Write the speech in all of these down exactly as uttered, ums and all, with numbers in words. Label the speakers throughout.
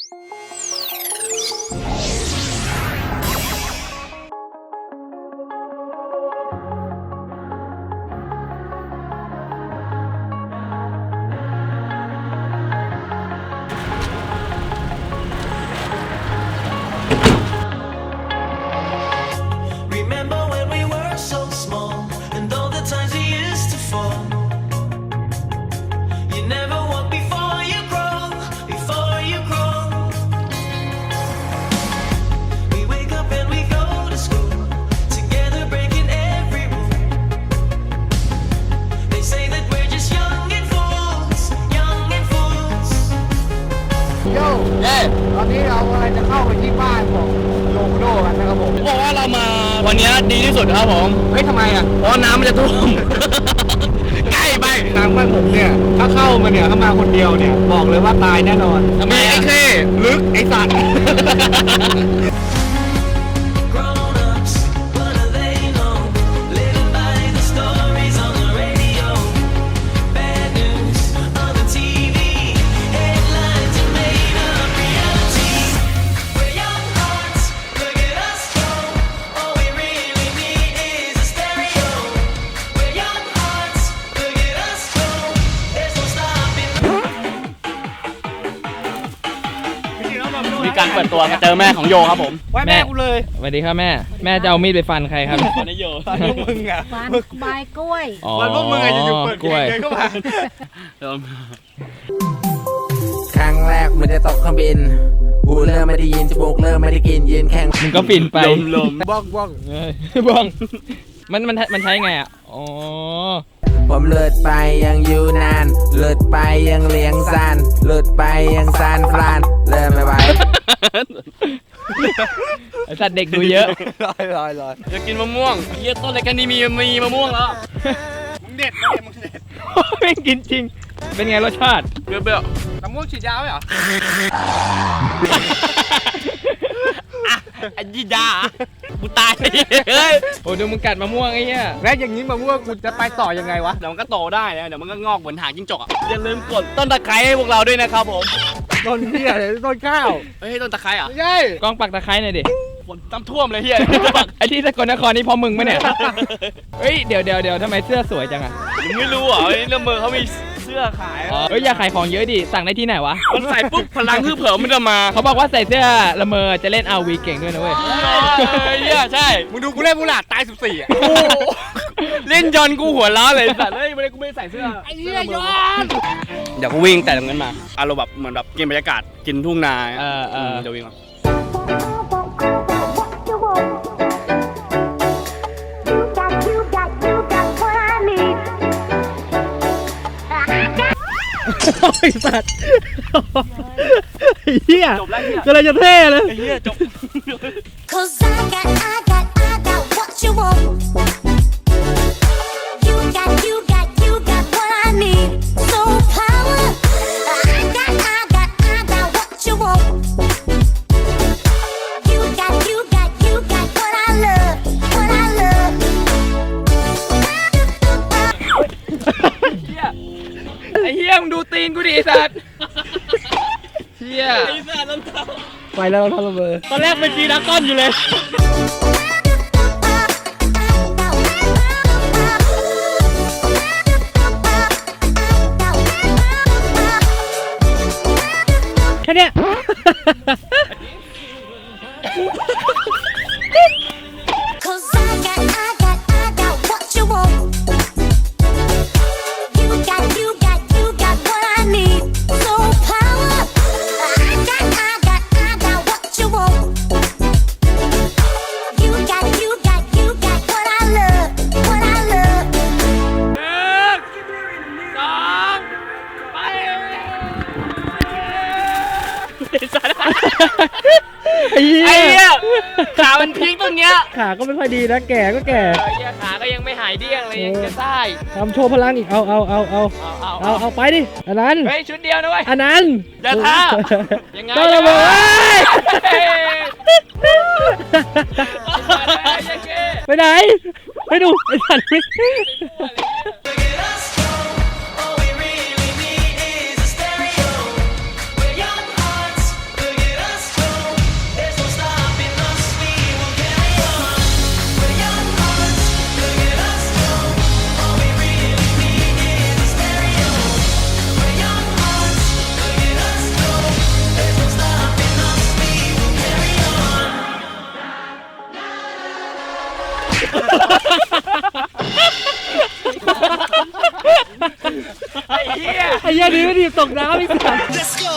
Speaker 1: ตอนนี้เราจะเข้าไปที่บ้านของโลโก้กันนะครับผม
Speaker 2: บอกว่าเรามาวันนี้ดีที่สุดครับผม
Speaker 1: เฮ้ยทำไมอ่ะ
Speaker 2: เพราะน้ำมันจะท่วมใกล้ไป
Speaker 1: ทางบ้านผมเนี่ยถ้าเข้ามาเนี่ยถ้ามาคนเดียวเนี่ยบอกเลยว่าตายแน่นอน
Speaker 2: ทำไมไอ้เข้
Speaker 1: ลึกไอ้สัตว์
Speaker 2: มีการเปิดตัวเจอแม่ของโยครับผม
Speaker 1: ว่าแม่กูเลย
Speaker 3: สวัสดีครับแม่แม่จะเอามีดไปฟันใครครับ
Speaker 2: ฟันโย
Speaker 1: ฟันพวกมึงอ่ะ
Speaker 4: ฟันใบกล้วย
Speaker 1: ฟันพวกมึงอ่ะอยู่ๆเปิดกล้วยเข้ามา
Speaker 5: ครั้งแรกมันจะตกเครื่องบินหูเริ่มไม่ได้ยินจมูกเริ่มไม่ได้กินยืนแข่ง
Speaker 3: มึงก็ปิ่นไป
Speaker 2: ลม
Speaker 1: บ้องบ้อง
Speaker 3: บ้องมันมันมันใช้ไงอ่ะอ๋อ
Speaker 5: ผมเลือดไปยังอยู่นานเลือดไปยังเลี้ยงซานเลือดไปยังซานฟลานเริ่มไม่ไหว
Speaker 3: ไอสัตว์เด็กดูเยอะ
Speaker 1: ลอยลอยลอย
Speaker 2: จะกินมะม่วงเยี่ยต้นอะไรกันนี่มีมีมะม่วงแล้ว
Speaker 1: มึงเด็ดนะมึงเด็ด
Speaker 3: ไม่กินจริงเป็นไงรสชาติ
Speaker 2: เปรี้ยว
Speaker 1: ๆน้ำม่วงฉีดยาไหมเหรอ
Speaker 2: ไอ้ยีดากูตายเฮ้ย
Speaker 3: โอ้ดูมึงกัดมะม่วงไอ้เหี้ย
Speaker 1: แล้วอย่างนี้มะม่วงกูจะไปต่อยังไงวะ
Speaker 2: เดี๋ยวมันก็โตได้นะเดี๋ยวมันก็งอกเหมือนหางจิ้งจกอ่ะอย่าลืมกดต้นตะไคร้ให้พวกเราด้วยนะครับผม
Speaker 1: ต้นเหี้ยเลยต้นข้าว
Speaker 2: เฮ้ยต้นตะไคร้อ่ะ
Speaker 1: ไม่ใช่
Speaker 3: กองปักตะไคร้หน่อยดิ
Speaker 2: ฝนน้ำท่วมเลยเฮีย
Speaker 3: ไอ้ที่สกลนครนี่พอมึงไหมเนี่ยเฮ้ยเดี๋ยวเดี๋ยวเดี๋ยวทำไมเสื้อสวยจังอ่ะ
Speaker 2: มึงไม่รู้เหรอเรื่องมือเขามีเสื้อขาย
Speaker 3: เฮ้ยอย่าขายของเยอะดิสั่งได้ที่ไหนวะ
Speaker 2: มันใส่ปุ๊บพลังคือเผลอมันจะมา
Speaker 3: เขาบอกว่าใส่เสื้อละเมอจะเล่นอาวีเก่งด้วยนะเว้ย
Speaker 2: เฮียใช่
Speaker 1: มึงดูกูเล่นมูหลาดตายสิบสี่อ่ะ
Speaker 2: เล่นยอนกูหัวล้อเลยสัตว์เฮ้ยไม่ได้กูไม่ใส่เสื้อ
Speaker 1: ไอ้เหี้ยยอน
Speaker 2: เดี๋ยวกูวิ่งแต่ตรงนั้นมาอารมณ์แบบเหมือนแบบเกมบรรยากาศกินทุ่งนา
Speaker 3: เออเออ
Speaker 2: เดี๋ยววิ่งมา
Speaker 3: ไอ้สัตว์เฮียก็เลยจะเท่เลย
Speaker 2: เฮียจบ
Speaker 3: ไอ้เฮียมึงดูตีนกูดิไอ้สัตว์เฮีย
Speaker 2: ไอ้สัตว์น้ำตา
Speaker 3: ไปแล้วเราทำระเบิด
Speaker 2: ตอนแรกเป็นจีนักก้อนอยู่เลย
Speaker 3: แค่เนี้ย
Speaker 2: ไอ้เหี้ยขามันพีกตรงเนี้ย
Speaker 3: ขาก็ไม่ค่อยดีนะแก่ก็แก่
Speaker 2: ไอ้เหี้ยขาก็ยังไม่หายเดี้ยงเลยยังจะได้
Speaker 3: ทำโชว์พลังอีกเอาเอาเอาเอาเอาเอาไปดิอันนั้น
Speaker 2: เฮ้ยชุดเดียวนะเว้ย
Speaker 3: อันนั้น
Speaker 2: อย่าท่ายังไง
Speaker 3: ก็ระเบิดไปไหนไปดูไอ้สัตว์ยดีไม่ดีตกน้ำอีกสัตว์
Speaker 4: Let's go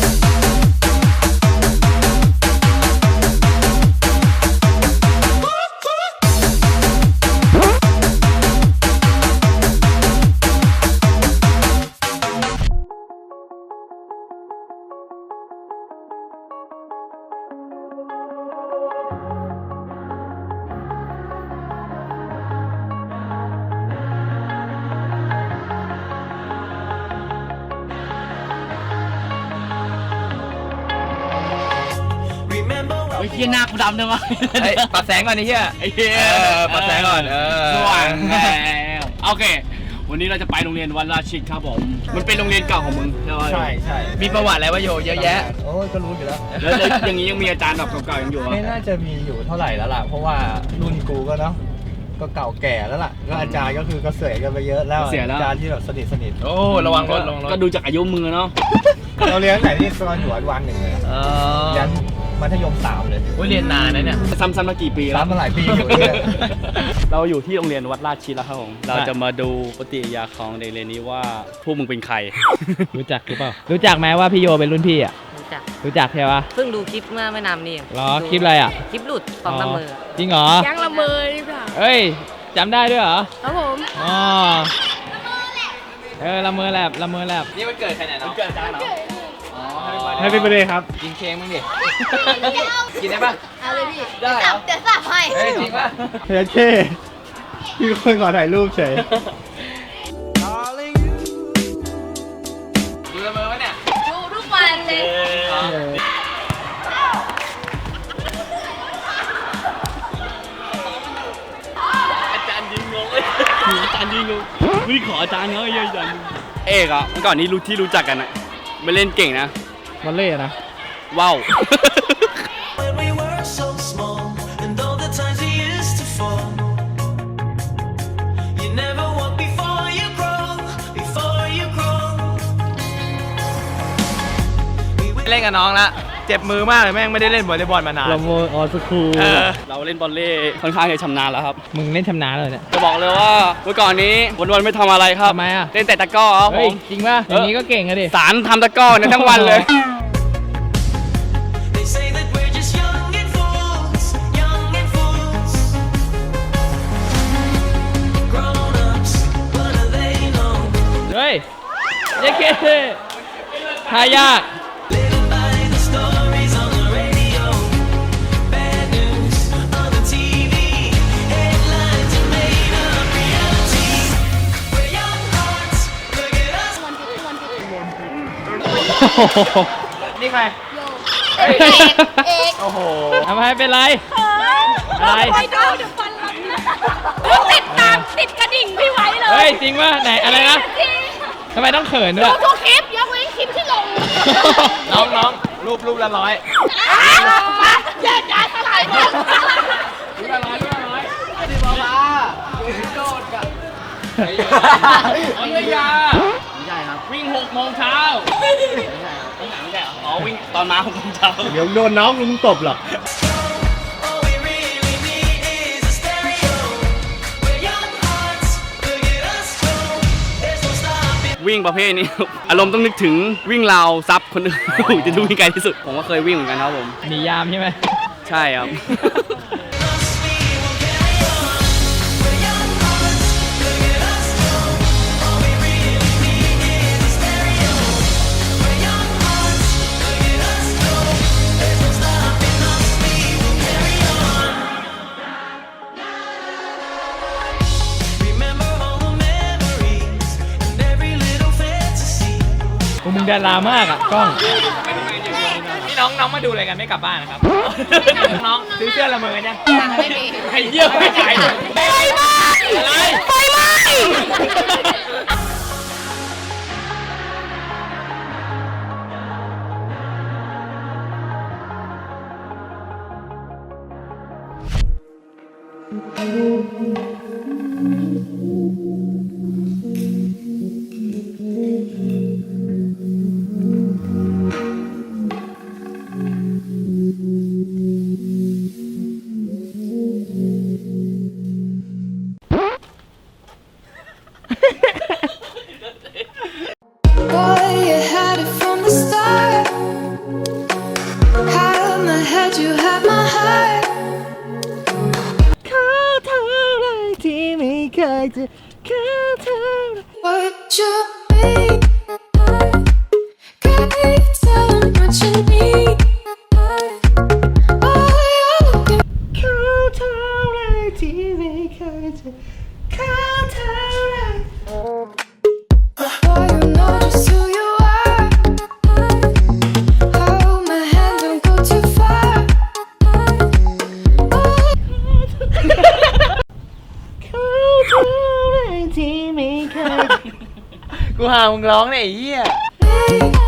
Speaker 2: ไอ้เหี้ยหน้ากูดำเลยวะ
Speaker 3: เฮ้ยปัดแสงก่อนไอ้เหี้ย
Speaker 2: ไอ้เหี้ย
Speaker 3: เออปัดแสงก่อนเออ
Speaker 2: สว่างแล้วโอเค วันนี้เราจะไปโรงเรียนวัดราชิตครับผม มันเป็นโรงเรียนเก่าของมึงใช่ไหม
Speaker 1: ใช่ใช่
Speaker 3: มีประวัติอะไรวะโยเยอะแยะ
Speaker 1: โอ้ยก็รู้อยู่แล้ว
Speaker 2: แล้วแล้วอย่างนี้ยังมีอาจารย์แบบเก่าๆยังอยู่เหรอ
Speaker 1: ไม่น่าจะมีอยู่เท่าไหร่แล้วล่ะ เพราะว่ารุ่นกูก็เนาะก็เก่าแก่แล้วล่ะก็อาจารย์ก็คือก็เสียกันไปเยอะแล้วอาจารย์ที่แบบสนิทสนิท
Speaker 3: โอ้ระวังรถระวังรถ
Speaker 2: ก็ดูจากอายุมือเนาะ
Speaker 1: เราเรียนไหนที่ตอนอยู่อนุบาลหนึ่งเลย
Speaker 3: เออ
Speaker 1: ยันมัธยมสามเลย
Speaker 3: โอ้ยเรียนนานนะเนี่ย
Speaker 2: ซ้ำๆมากี่ปีแล้ว
Speaker 1: ซ้ำมาหลายปีอยู่เนี่ย
Speaker 2: เราอยู่ที่โรงเรียนวัดราชิตแล้วครับผม เราจะมาดูปฏิกิริยาของเด็กเรียนนี้ว่าพวกมึงเป็นใคร
Speaker 3: รู้จักหรือเปล่ารู้จักไหมว่าพี่โยเป็นรุ่นพี่อ่ะ
Speaker 6: รู้จัก
Speaker 3: รู้จักใช่ปะ
Speaker 6: เพิ่งดูคลิปเมื่อไม่นานนี่เอง
Speaker 3: เหรอคลิปอะไรอ่ะ
Speaker 6: คลิปหลุดของละเมอ
Speaker 3: จริงเหรอ
Speaker 6: ยังละเมอหรือเปล่า
Speaker 3: เอ้ยจำได้ด้วยเหรอ
Speaker 6: ครับผม
Speaker 3: อ๋อเออละเมอแลบละเมอแลบนี่มันเกิดใครเนี่ยน้อง
Speaker 2: เกิดอาจารย์เหรอ
Speaker 1: ให้เป็นประเด็นครับ
Speaker 3: กินเค้กมั้งดิกินได้ปะ
Speaker 6: เอาเลยพี่
Speaker 3: ได้เหรอ
Speaker 6: เดี๋ยวสับให้
Speaker 3: เฮ้ยจริงปะ
Speaker 1: เฮ้ยเท่พี่คนขอถ่ายรูปเฉย
Speaker 3: ดูละเมอวะเนี่ย
Speaker 6: ดูทุกวันเลย
Speaker 2: อาจารย์ยิงงงเลยอาจารย์ยิงงงวิ่งขออาจารย์เขาเยอะอาจารย์เอกอ่ะเมื่อก่อนนี้รู้ที่รู้จักกันอ่ะไม่เล่นเก่งนะ
Speaker 3: วันเล่นะ
Speaker 2: ว้าว
Speaker 4: When we were so small and all the times we used to fall You never walk before you grow Before you grow
Speaker 3: เล่นกับน้องละเจ็บมือมากเลยแม่งไม่ได้เล่นวอลเลย์บอลมานาน
Speaker 1: เราโมออสคูล
Speaker 3: เออ
Speaker 2: เราเล่นบอลเล่ค่อนข้างจะชำนาญแล้วครับ
Speaker 3: มึงเล่นชำนาญเลยเนี่ย
Speaker 2: จะบอกเลยว่าเมื่อก่อนนี้วันๆไม่ทำอะไรครับ
Speaker 3: ทำไมอะ
Speaker 2: เล่นแต่ตะกร้อครับผ
Speaker 3: เฮ้ย
Speaker 2: ม
Speaker 3: จริงป่ะอย่างนี้ก็เก่งอะดิ
Speaker 2: สารทำตะกร้อเนี่ยทั้งวันเลย
Speaker 4: They say that we're just young and fools Young and fools Grown-ups, what do they know
Speaker 3: เฮ้ยเจ๊เก้ทายาก
Speaker 4: Living by the stories on the radio Bad news on the ที วี Headlines are made up reality We're young hearts, look at us
Speaker 3: นี่ใคร
Speaker 6: เอกเอก
Speaker 3: โอ้โหทำไมเป็นไร อะไร
Speaker 6: ไปดูเดี๋ยวฟันหลังนะติดตามติดกระดิ่งพี่ไว้เลย
Speaker 3: เฮ้ยจริงป่ะไหนอะไรนะทำไมต้องเขินด้
Speaker 6: ดู
Speaker 3: วย
Speaker 6: ทุกคลิปยกเว้นคลิปที่ลง
Speaker 3: น้องน้องรูปรูปละร้อย
Speaker 6: มาแยกย้ายสลายหมด
Speaker 3: รูปละร้อยรูปละร้อยดิบ้าบ้าโดดกันวิทยา
Speaker 2: ไม่ใช่ครับ
Speaker 3: วิ่งหกโมงเช้า
Speaker 2: ไม่ใช่ไม่ใช่อ๋อวิ่งตอนมาหกโมงเช้า
Speaker 1: เดี๋ยวโดนน้องลุงตบหรอก
Speaker 4: All we really need is a stereo We're young hearts, look at us go There's no stopping
Speaker 2: วิ่งประเภทนี้ อารมณ์ต้องนึกถึงวิ่งราวซับคนอื่น จะดูวิ่งไกลที่สุด ผมก็เคยวิ่งเหมือนกันครับผม
Speaker 3: หนียามใช่ไหม
Speaker 2: ใช่ครับ
Speaker 4: us, we will carry on We're young hearts, look at us go All we really need is a stereo We're young hearts, look at us go There's no stopping us, we will carry on Remember all the memories and every little fantasy
Speaker 3: พวกมึงดารามากอ่ะกล้องพี่น้องน้องมาดูอะไรกันไม่กลับบ้านนะครับ น้องซื้อเสื้อละเมอเนี่ยใครเยี่ยมไม่จ่ายไฟไหม้อะไรไฟไหม้พามึงร้องเนี่ยไอ้เหี้ย
Speaker 6: Hey,